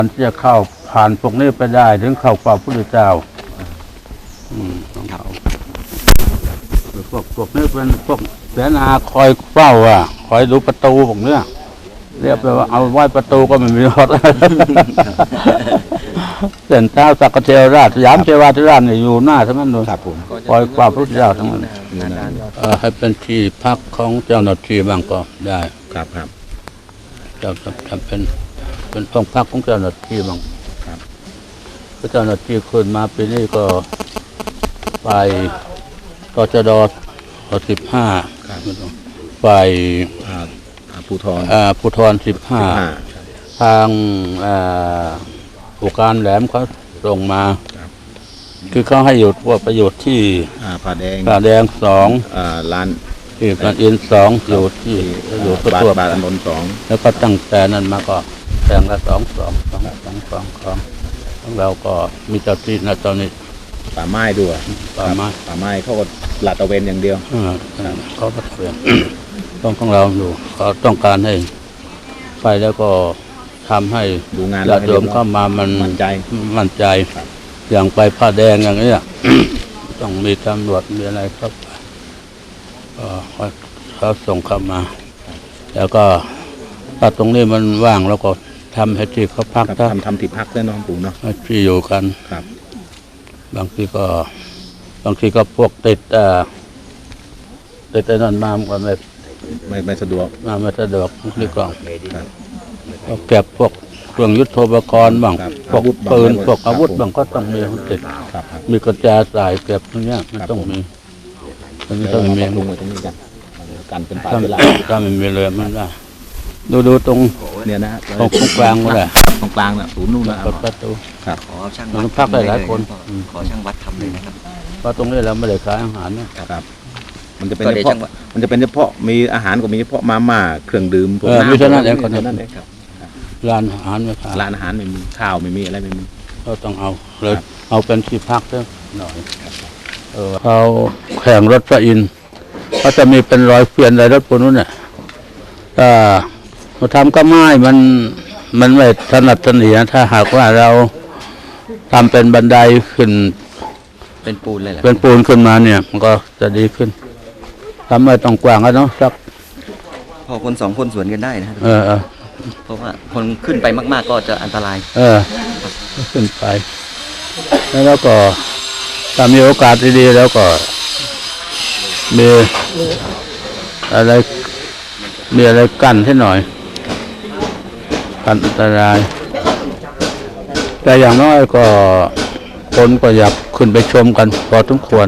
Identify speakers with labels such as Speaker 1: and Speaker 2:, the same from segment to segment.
Speaker 1: มันจะเข้าผ่านพวกนี้ไปได้ถึงเข้าเฝ้าพระพุทธเจ้าต้องเข้าพวกนี้เป็นพวกเสนาคอยเฝ้าคอยดูประตูพวกเนี้ยเรียกไปว่าเอาไว้ประตูก็ไม่มีรถเส้นเท้าสักกะเทวราชสยามเทวาธิราชเนี่ยอยู่หน้าทั้งนั้นเลยคอยเฝ้าพระพุทธเจ้าทั้งนั้นให้เป็นที่พักของเจ้าหน้าที่บ้างก็ได้
Speaker 2: ครับ
Speaker 1: จะเป็นห้องพักของเจ้าหน้าที่บ้างเจ้าหน้าที่ขึ้นมาปีนี้ก็ไปตชด15ไปภูธร15ทางผู้การแหลมเขาส่งมาคือเขาให้หยุดว่าประโยชน์ที่
Speaker 2: ผาแดง
Speaker 1: 2ร้านที่ร้านอิน2อยู่ที่อยู่ตัว
Speaker 2: บาทอนนท์2
Speaker 1: แล้วก็ตั้งแต่นั้นมาก็แบ่งละ2ของเราก็มีเจ้าที่นะตอนนี้
Speaker 2: ป่าไม้ด้วยป่าไม้เขาก็ลาดตระเวนอย่างเดียว
Speaker 1: เขาลาดตระเวนของเราดูเขาต้องการให้ไปแล้วก็ทำให้
Speaker 2: ดูงาน
Speaker 1: ญาติโยมเข้ามามันมั่นใจอย่างไปผ้าแดงอย่างนี้ต้องมีตำรวจมีอะไรครับเขาส่งเข้ามาแล้วก็ถ้าตรงนี้มันว่างแล้วก็ทำให้ที่เขาพัก
Speaker 2: ทำที่พักได้น้องปู่เนาะ
Speaker 1: ที่อยู่กัน
Speaker 2: ครับ
Speaker 1: บางทีก็พวกติดนั่นมาก็
Speaker 2: ไม่สะดวก
Speaker 1: ไม่สะดวกนี่ก็เก็บพวกเครื่องยุทโธปกรณ์บ้างพวกปืนพวกอาวุธบ้างก็ต้องมีติดมีกระจาสายเก็บพวกนี้มันต้องมี
Speaker 2: ต้องมีลงมือตรงนี้กันเป็นปลายเวลา
Speaker 1: ถ้ามันมีเลยมันได้ดูตรง
Speaker 2: เนี่ยนะ
Speaker 1: ตรงกลางก็ได้
Speaker 2: ตรงกลางน่ะศูนย์นู่นนะ
Speaker 1: ประตู
Speaker 2: ครับ
Speaker 3: ขอช่างวัด
Speaker 1: พักได้หลายคน
Speaker 3: ขอช่างวัดทำเลยนะครับ
Speaker 1: เพราะตรงนี้เราไม่ได้ขายอาหารนะครับ
Speaker 2: มันจะเป็นเฉพาะมีอาหารก็มีเฉพาะมาม่าเครื่องดื่มพวก
Speaker 1: น้ำมีเท่านั้นเองคนนั้นครับร้านอาหารไม่ขาย
Speaker 2: ร้านอาหารไม่มีข้าวไม่มีอะไรไม่มี
Speaker 1: ก็ต้องเอาเป็นที่พักด้วยหน่อยเขาแข่งรถพระอินทร์เขาจะมีเป็นรอยเปลี่ยนอะไรรถพวกนู้นเนี่ยเราทำก็ไม่มันไม่ถนัดถนีถ้าหากว่าเราทำเป็นบันไดขึ้น
Speaker 3: เป็นปูนเลยแหละ
Speaker 1: เป็นปูนขึ้นมาเนี่ยมันก็จะดีขึ้นทำไม่ต้องกว้างแล้วเนาะสัก
Speaker 3: พอคน2 คนสวนกันได้นะเพราะว่าคนขึ้นไปมากๆก็จะอันตราย
Speaker 1: ขึ้นไปแล้วก็ถ้ามีโอกาสดีๆแล้วก็มีอะไรกั้นให้หน่อยกันอันตรายแต่อย่างน้อยก็คนก็อยากขึ้นไปชมกันพอสมควร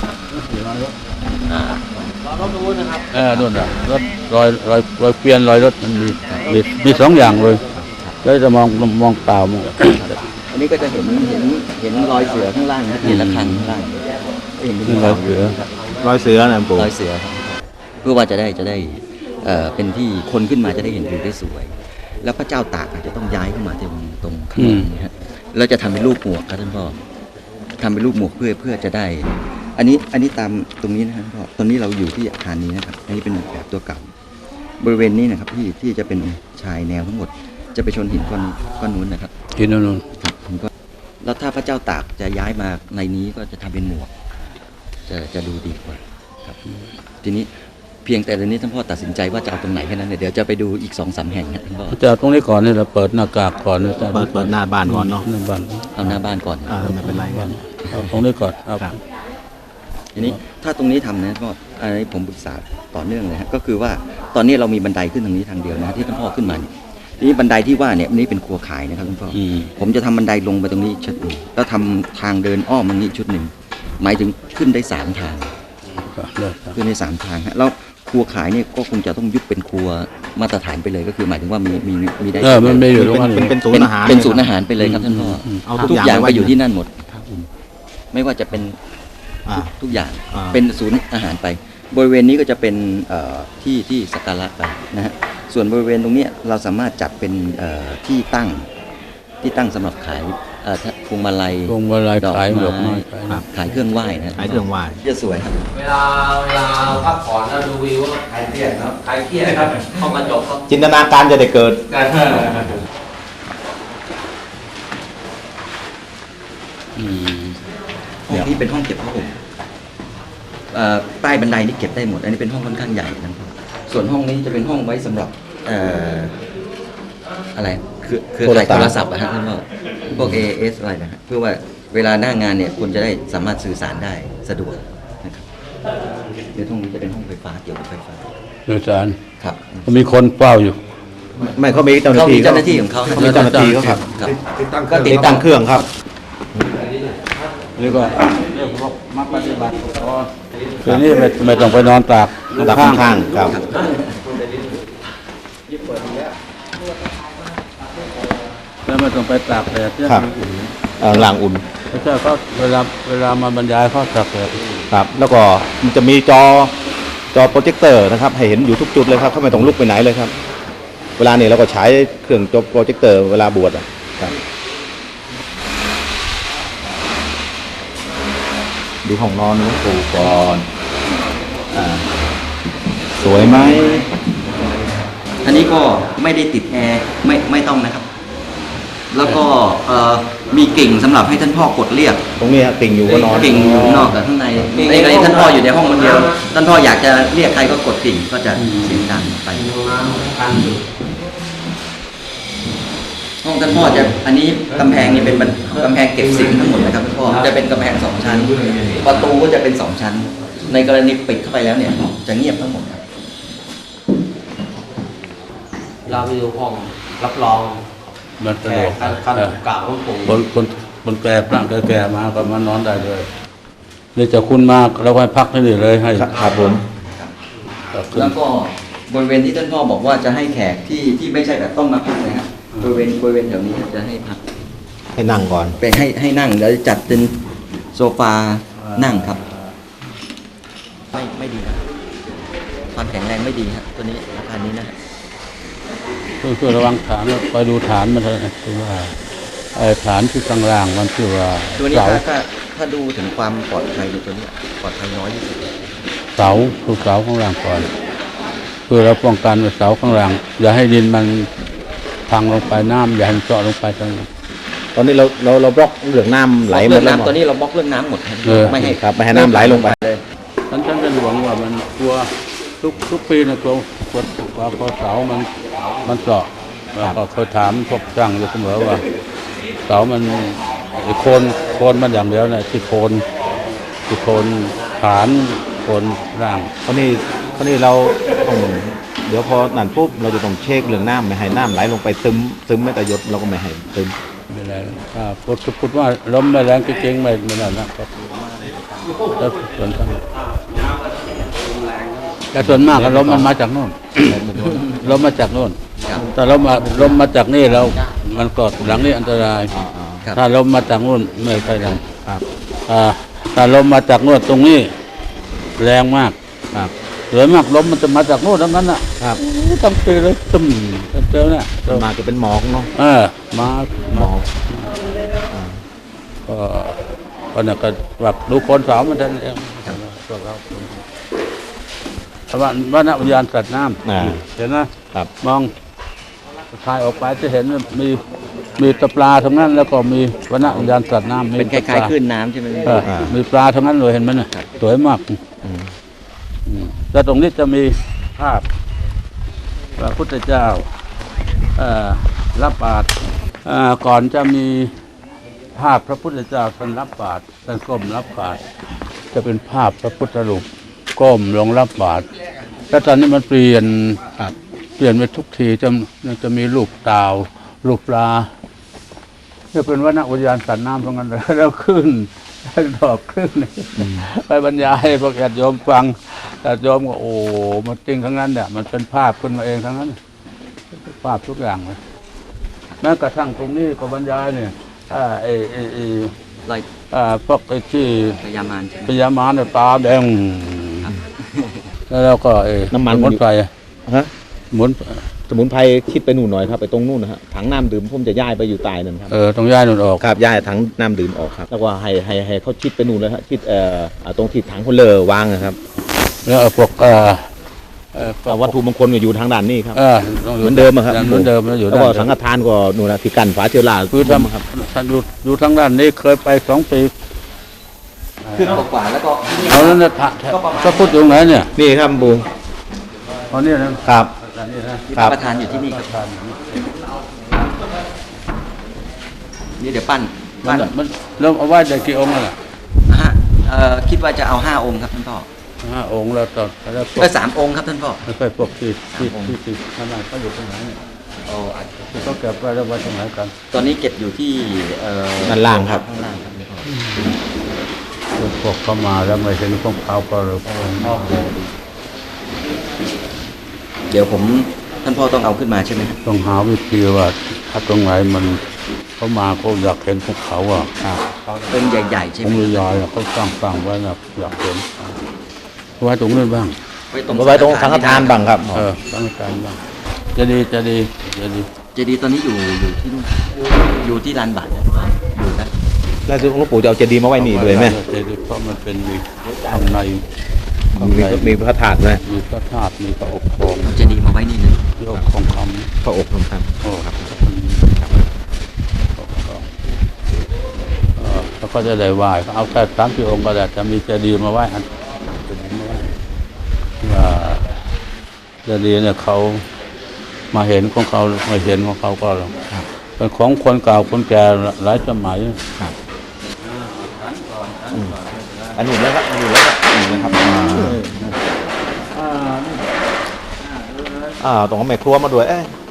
Speaker 1: นู่นรถรอยเปลี่ยนรอยรถมันมี2อย่างเลยแล้วจะมองเปล่ามอง
Speaker 3: อันนี้ก็จะเห็นรอยเสือข้างล่างนะทีละคันข้างล่าง
Speaker 1: เห็นรอยเสือนะปู่
Speaker 3: รอยเสือเพื่อว่าจะได้เป็นที่คนขึ้นมาจะได้เห็นวิวได้สวยแล้วพระเจ้าตากจะต้องย้ายเข้ามาตรงข้างนี้ฮะเราจะทำเป็นรูปหมวกครับท่านพ่อทำเป็นรูปหมวกเพื่อจะได้อันนี้ตามตรงนี้นะครับพ่อตอนนี้เราอยู่ที่อาคารนี้นะครับอันนี้เป็นแบบตัวเก่าบริเวณนี้นะครับที่จะเป็นชายแนวทั้งหมดจะไปชนหินก้อนนู้นนะครับ
Speaker 1: หินนู้น
Speaker 3: ครับแล้วถ้าพระเจ้าตากจะย้ายมาในนี้ก็จะทำเป็นหมวกจะดูดีกว่าครับทีนี้เพียงแต่ตอนนี้ท่านพ่อตัดสินใจว่าจะเอาตรงไหนแค่นั้นเดี๋ยวจะไปดูอีก2-3 แห่งนะท่านพ่อ
Speaker 1: จะเอาตรงนี้ก่อนนี่เราเปิดหน้ากากก่อน
Speaker 2: เปิดหน้าบ้านก่อนเนาะ
Speaker 3: เอาหน้าบ้านก่อน
Speaker 2: ไม่เป็นไร
Speaker 1: เอาตรงนี้ก่อน
Speaker 3: ทีนี้ถ้าตรงนี้ทำนะก็อันนี้ผมปรึกษาต่อเนื่องเลยฮะก็คือว่าตอนนี้เรามีบันไดขึ้นทางนี้ทางเดียวนะที่ท่านพ่อขึ้นมาทีนี้บันไดที่ว่าเนี่ยนี่เป็นครัวขายนะครับท่านพ่อผมจะทำบันไดลงไปตรงนี้ชุดนึงแล้วทำทางเดินอ้อมตรงนี้ชุดหนึ่งหมายถึงขึ้นได้3 ทางขึ้นได้3 ทางฮะแล้วครัวขายเนี่ยก็คงจะต้องยุบเป็นครัวมาตรฐานไปเลยก็คือหมายถึงว่ามีได้
Speaker 1: มันไม่อยู่ตรงนั้น
Speaker 2: เป็นศูนย์อาหาร
Speaker 3: เป็นศูนย์อาหารไปเลยครับท่านพ่อทุกอย่างไปอยู่ที่นั่นหมดไม่ว่าจะเป็นทุกอย่างเป็นศูนย์อาหารไปบริเวณนี้ก็จะเป็นที่สักการะไปนะฮะส่วนบริเวณตรงนี้เราสามารถจัดเป็นที่ตั้งสำหรับขายพวงมาลัย
Speaker 1: ดอกไม้
Speaker 3: ขายเครื่องไหว้นะ
Speaker 2: ขายเครื่องไหว้
Speaker 3: จะสวยครับ
Speaker 4: เวลาพักผ่อนแล้วดูวิวคลายเครียดครับคลายเครียดครับเข้ามาจบครับ
Speaker 2: จินตนาการจะได้เกิด
Speaker 1: อืม
Speaker 3: ห้องนี้เป็นห้องเก็บผ้าห่มใต้บันไดนี่เก็บได้หมด อันนี้เป็นห้องค่อนข้างใหญ่นะครับส่วนห้องนี้จะเป็นห้องไว้สำหรับอะไรคือข่ายโทรศัพท์อะฮะท่านพ่อพวก AS อะไรนะฮะเพื่อว่าเวลาหน้างานเนี่ยคุณจะได้สามารถสื่อสารได้สะดวกนะครับเดี๋ยวห้องนี้จะเป็นห้องไฟฟ้าเกี่ยวกับไฟฟ้า
Speaker 1: โดยสาร
Speaker 3: ครับ
Speaker 1: มีคนเฝ้าอยู่
Speaker 2: ไม่เขามีเจ้าหน้า
Speaker 3: เขา
Speaker 2: ที่
Speaker 3: มีเจ้าหน้าที่ของเขา
Speaker 2: เขามีเจ้าหน้าที่เขาครับ
Speaker 3: ครับ
Speaker 2: ก็ติดตั้งเครื่องครับ
Speaker 1: นี่ก็เรียกพวกมาปฏิบัติคืนนี้ไม่ต้องไปนอนตาก
Speaker 2: ดับข้างๆครับ
Speaker 1: แล้วไม่ต้องไปตากแดดเนี่ย
Speaker 2: ครับหลังอุ่น
Speaker 1: พระเจ้าก็เวลามาบรรยายเขาตากแดด
Speaker 2: ครับ แล้วก็มันจะมีจอโปรเจคเตอร์นะครับให้เห็นอยู่ทุกจุดเลยครับเขาไม่ต้องลุกไปไหนเลยครับ เวลานี้เราก็ใช้เครื่องจอโปรเจคเตอร์เวลาบวชอะครับดูห้องนอนหลวงปู่ก่อนสวยไหม
Speaker 3: อันนี้ก็ไม่ได้ติดแอร์ไม่ต้องนะครับ แล้วก็มีกิ่งสำหรับให้ท่านพ่อกดเรียก
Speaker 2: ตรงนี้ฮะติ่งอยู่ก็นอน
Speaker 3: กิ่งอยู่นอกกับข้างในในท่านพ่ออยู่ในห้องคนเดียวท่านพ่ออยากจะเรียกใครก็กดกิ่งก็จะเสียงดังไปห้องท่านพ่อจะอันนี้กำแพงนี่เป็นกำแพงเก็บสิ่งทั้งหมดนะครับท่านพ่อจะเป็นกำแพง2 ชั้นประตูก็จะเป็น2 ชั้น ในกรณีปิดเข้าไปแล้วเนี่ยจะเงียบทั้งหมดครับ
Speaker 4: เราไปดูห้องรับรอง
Speaker 1: มันสะ
Speaker 4: แข
Speaker 1: ดว
Speaker 4: ก
Speaker 1: ก
Speaker 4: ขั้นกล่าวของปู่
Speaker 1: คนแก่พระแก่มาก็มานอนได้เลยนี่จะคุณมากเราให้พักที่นี่เลยให้
Speaker 2: ครับผม
Speaker 3: แล้วก็บริเวณที่ท่านพ่อบอกว่าจะให้แขกที่ไม่ใช่แบบต้องมาพักนะครับบริเวณแถวนี้จะให้พัก
Speaker 2: ให้นั่งก่อน
Speaker 3: ไปให้นั่งแล้วจัดเป็นโซฟานั่งครับไม่ดีนะความแข็งแรงไม่ดีครับตัวนี้อาคารนี้นะ
Speaker 1: คือระวังฐานไปดูฐานมันเถอะคือว่าไอ้ฐานที่ข้างล่างมันคือว่า
Speaker 3: ตัวนี้
Speaker 1: เสา
Speaker 3: ถ้าดูถึงความปลอดภัยในตัวนี้ปลอดภัยน้อยที่สุด
Speaker 1: เสาคือเสาข้างล่างก่อนคือเราป้องกันเสาข้างล่างอย่าให้ดินมันพังลงไปน้ำอย่าให้มันเจาะลงไปตรงนี้
Speaker 2: ตอนนี้เราบล็อกเรื่องน้ำไหลหม
Speaker 3: เรื่
Speaker 2: ด
Speaker 3: อง
Speaker 2: แล้ว
Speaker 3: น้ำตัวนี้เราบล็อกเรื่องน้ำหมดครับ ไม่ให้
Speaker 2: ครับไม่ให้น้ำไหลลงไป
Speaker 3: เลย
Speaker 1: ฉันเป็นห่วงว่ามันกลัวทุกปีนะกลัวเสามันเจาะแล้วก็เคยถามพวกช่างอยู่เสมอว่าเสามันโคนมันอย่างเดียวนะที่โคนฐานโคนร่าง
Speaker 2: คราวนี้เราต้องเดี๋ยวพอนั่นปุ๊บเราจะต้องเช็คเรื่องน้ำไม่ให้น้ำไหลลงไปซึมไม่แต่หยดเราก็ไม่ให้ซึม
Speaker 1: ไม่ได้ถ้าพูดว่าลมไม่แรงจริงๆไม่นั่นนะครับแล้วส่วนข้างแต่ส่วนมากลมมันมาจากโน่น ลมมาจากโน่น
Speaker 3: ครับ
Speaker 1: แต่ลมมาจากนี่แล้วมันกดหลังนี่อันตราย
Speaker 3: ครับ
Speaker 1: ถ้าลมมาจากโน่นไม่ใช่หลัง
Speaker 2: ครับ
Speaker 1: ถ้าลมมาจากโน่นตรงนี้แรงมาก
Speaker 2: ครับ
Speaker 1: สวยมากลมมันจะมาจากโน่นทั้งนั้นอ่ะ
Speaker 2: ครับ
Speaker 1: ตั้งปีเลยตึมเจอเนี่ย
Speaker 2: มาจะเป็นหมอกเนาะ
Speaker 1: มา
Speaker 2: หมอก
Speaker 1: ก็เนี่ยก็แบบดูคนสาวมันท่านเองพวกเราแต่ว่าณอุทยานสัตว์น้ำเห็นนะครับ มองทายออกไปจะเห็นมีตะปลาทั้งนั้น แล้วก็มีวนอุทยานสัตว์น้ำ
Speaker 3: เป็นคล้ายๆคลื่นน้ำใช่ไหม
Speaker 1: มีปลาทั้งนั้นเลยเห็นไหมน่ะสวยมากแล้วตรงนี้จะมีภาพพระพุทธเจ้ารับบาตรก่อนจะมีภาพพระพุทธเจ้าท่านรับบาตรท่านก้มรับบาตรจะเป็นภาพพระพุทธรูปก้มลงรับบาตรแล้วตอนนี้มันเปลี่ยนไปทุกทีจะมีรูปเต่ารูปปลาจะเป็นวนอุทยานสัตว์น้ำตรงนั้นเลยแล้วขึ้นดอกขึ้นไปบรรยายพวกญาติโยมฟังญาติโยมก็โอ้มันจริงทั้งนั้นเนี่ยมันเป็นภาพขึ้นมาเองทั้งนั้นภาพทุกอย่างเลยแม้กระทั่งตรงนี้ก็บรรยายเนี่ย
Speaker 3: ลอย
Speaker 1: พวกไอ้ที่
Speaker 3: พยามารใช่ไหม
Speaker 1: พญามารเนี่ยตาแดงแล้วก็
Speaker 2: น้ำมัน
Speaker 1: สมุนไพร
Speaker 2: ฮะ
Speaker 1: สมุน
Speaker 2: ไพรคิดไปนู่นหน่อยครับไปตรงนู่นนะฮะถังน้ำดื่มผมจะย้ายไปอยู่ใต้นั่นครับ
Speaker 1: ต้องย้ายนู่นออก
Speaker 2: ครับย้ายถังน้ำดื่มออกครับแล้วก็ให้เขาชิดไปนู่นเลยฮะชิดตรงที่ถังคนเลอวางนะครับ
Speaker 1: แล้วพวก
Speaker 2: วัตถุมงคลก็อยู่ทางด้านนี้ครับ
Speaker 1: ต้องอยู่
Speaker 2: เหมือนเดิมอะครับ
Speaker 1: เหมือนเดิมแล้วอยู่
Speaker 2: แล้วก็สังฆทานก็นู่นนะที่กันฝาเชื้อรา
Speaker 1: คือท
Speaker 2: ครับ
Speaker 1: ำท่านอยู่ทางด้านนี้เคยไป2 ปี
Speaker 3: คือกว่าแล้วก็
Speaker 1: เอาแล้วนะพระพุทธอยู่ไหนเนี่ย
Speaker 2: นี่ครับบู
Speaker 1: เอาเนี่ยนะครับ อันนี้นะ
Speaker 3: ที่พระประธานอยู่ที่นี่ครับนี่เดี๋ยวปั้น
Speaker 1: มันเริ่มเอาไหว้ได้กี่องค์แล้วล่ะ
Speaker 3: นะฮะคิดว่าจะเอา5 องค์ครับท่านพ่อ
Speaker 1: 5 องค์แล้วต่อแล้วพวก
Speaker 3: 3 องค์ครับท่านพ่อ
Speaker 1: ไม่ค่อยพวกที่ขนาดเขาอยู่ตรงไหนเนี่ยเขาเก็บไว้แล้วไว้ตรงไหนกัน
Speaker 3: ตอนนี้เก็บอยู่ที่
Speaker 2: ด้านล่างครับ
Speaker 3: ข้างล่างครับท่านพ่อ
Speaker 1: พวกเขามาแล้วไม่เห็นของเขาก็เลยนอกเลย
Speaker 3: เดี๋ยวท่านพ่อต้องเอาขึ้นมาใช่ไหมครับ
Speaker 1: ต้องหาวิธีว่าถ้าตรงไหนมันเขามาเขาอยากเห็นภูเขาอ่ะ
Speaker 3: องค์ใหญ่ๆใช่
Speaker 1: ผ
Speaker 3: ไห
Speaker 1: ม
Speaker 3: ม
Speaker 1: ยายๆเขาตั้งไว้นะอยากเห็นไว้ตรงนั้นบ้าง
Speaker 3: ไว้ตรง
Speaker 2: ไว้ตรงสังฆทานบังครับ
Speaker 1: ตั้งการบ้างจะดี
Speaker 3: เจดีย์ตอนนี้อยู่ที่นู่นอยู่ที่ลานบัตรอยู่นะ
Speaker 2: แล้วหลวงปู่จะเอาเจดีย์มาไว้นี่ด้วยไหม
Speaker 1: เจดีย์เพราะมันเป็นมีข้างใน
Speaker 2: มีพระธาตุไหม
Speaker 1: มีพระธาตุมีพระอบทอง
Speaker 3: เอาเจดีย์มาไว้นี่เลย
Speaker 1: ที่อบทองคำ
Speaker 2: พระอกครับ
Speaker 1: โอ้ครับแล้วก็จะได้ไหว้เอาแค่3 องค์ก็ได้จะมีเจดีย์มาไหว้อันเจดีย์มาไหว้ว่าเจดีย์เนี่ยเขามาเห็นของเขาไม่เห็นของเขาก็เป็นของคนเก่าคนแก่หลายสมัย
Speaker 2: อันนี้แล้วครับอันนี้แล้วครับนี่นะครับตรงแม่ครัวมาด้วย